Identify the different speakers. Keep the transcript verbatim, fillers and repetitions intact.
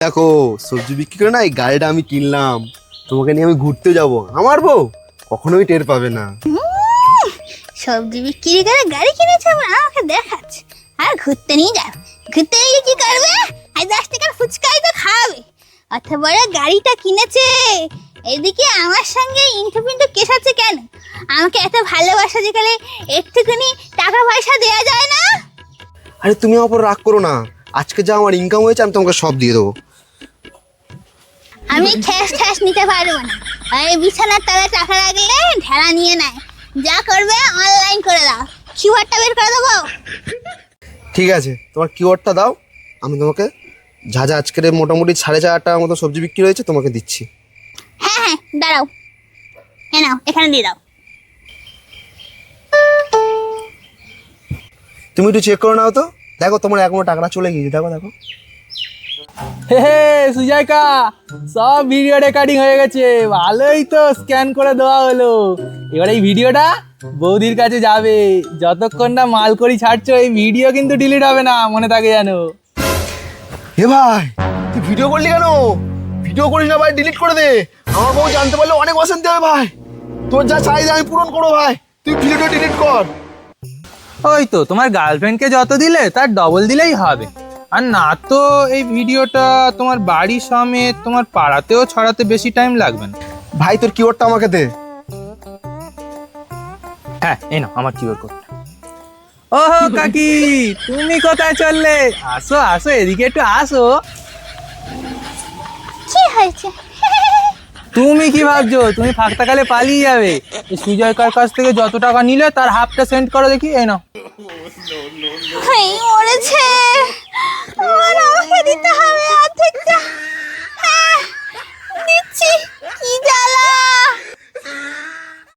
Speaker 1: দেখো সবজি বিক্রি করে না এই গাড়িটা আমি কিনলাম, তোমাকে নিয়ে আমি ঘুরতে যাব। আমার বউ কখনোই টের পাবে না।
Speaker 2: সবজি বিক্রি করে গাড়ি কিনেছে আবার আমাকে দেখাচ্ছে। আর ঘুরতে নিয়ে যাও, ঘুরতে নিয়ে কি করবে? আর দশ টাকার ফুচকাই তো খাবে। অত বড় গাড়িটা কিনেছে, এদিকে আমার সঙ্গে ইন্টু পিন্টু কেসাচ্ছে কেন? আমাকে এত ভালোবাসা যেখানে একটুখানি টাকা পয়সা দেওয়া যায় না?
Speaker 1: আরে তুমি আমার উপর রাগ করো না, আজকে যা আমার ইনকাম হয়েছে আমি তোমাকে সব দিয়ে দেবো।
Speaker 2: আমি ঠ্যাস ঠ্যাস নিতে পারবো না। এই বিছানার তলায় টাকা রাখলে ঢেলা নিয়ে নেয়। যা করবে অনলাইন করে দাও, কিউআরটা বের করে দেবো।
Speaker 1: ঠিক আছে, তোমার কিওয়ার্ডটা দাও, আমি তোমাকে যা যা আজকের মোটামুটি সাড়ে চার হাজার টাকার মতো সবজি বিক্রি হয়েছে তোমাকে দিচ্ছি।
Speaker 2: হ্যাঁ হ্যাঁ দাঁড়াও, এ নাও এখানে দিয়ে দাও।
Speaker 1: তুমি একটু চেক করে নাও তো, দেখো তোমার এখনো টাকাটা চলে গিয়েছে। দেখো দেখো
Speaker 3: হে হে সুজয়কা, সব ভিডিও রেকর্ডিং হয়ে গেছে। ভালোই তো, স্ক্যান করে দেওয়া হলো। এবার এই ভিডিওটা বৌদির কাছে যাবে। যতক্ষণ না মাল করি ছাড়ছো এই ভিডিও কিন্তু ডিলিট হবে না, মনে থাকে জানো।
Speaker 1: হে ভাই, তুই ভিডিও করলি কেন? ভিডিও করিস না ভাই, ডিলিট করে দে। আমার বউ জানতে পারলে অনেক অশান্তি হবে ভাই। তোর যা চাহিদা আমি পূরণ করবো ভাই, তুই ভিডিওটা ডিলিট কর।
Speaker 3: ওই তো তোমার গার্লফ্রেন্ডকে যত দিলে তার ডবল দিলেই হবে। আর না তো এই ভিডিওটা তোমার বাড়ি সমেত তোমার পাড়াতেও ছড়াতে বেশি টাইম লাগবে না।
Speaker 1: ভাই তোর কিওয়ার্ডটা আমাকে দে।
Speaker 3: হ্যাঁ এই নাও আমার কিউআর কোডটা। ওহো কাকি, তুমি কোথায় চললে? আসো আসো, এদিকে একটু আসো।
Speaker 2: কি হয়েছে?
Speaker 3: তুমি কি ভাবছো তুমি ফাঁকতাকালে পালিয়ে যাবে? এই সুজয়কার কাছ থেকে যত টাকা নিলে তার হাফটা সেন্ড করো দেখি। এই নাও।
Speaker 2: এই মরেছে, আমার আমাকে দিতে হবে অর্ধেকটা।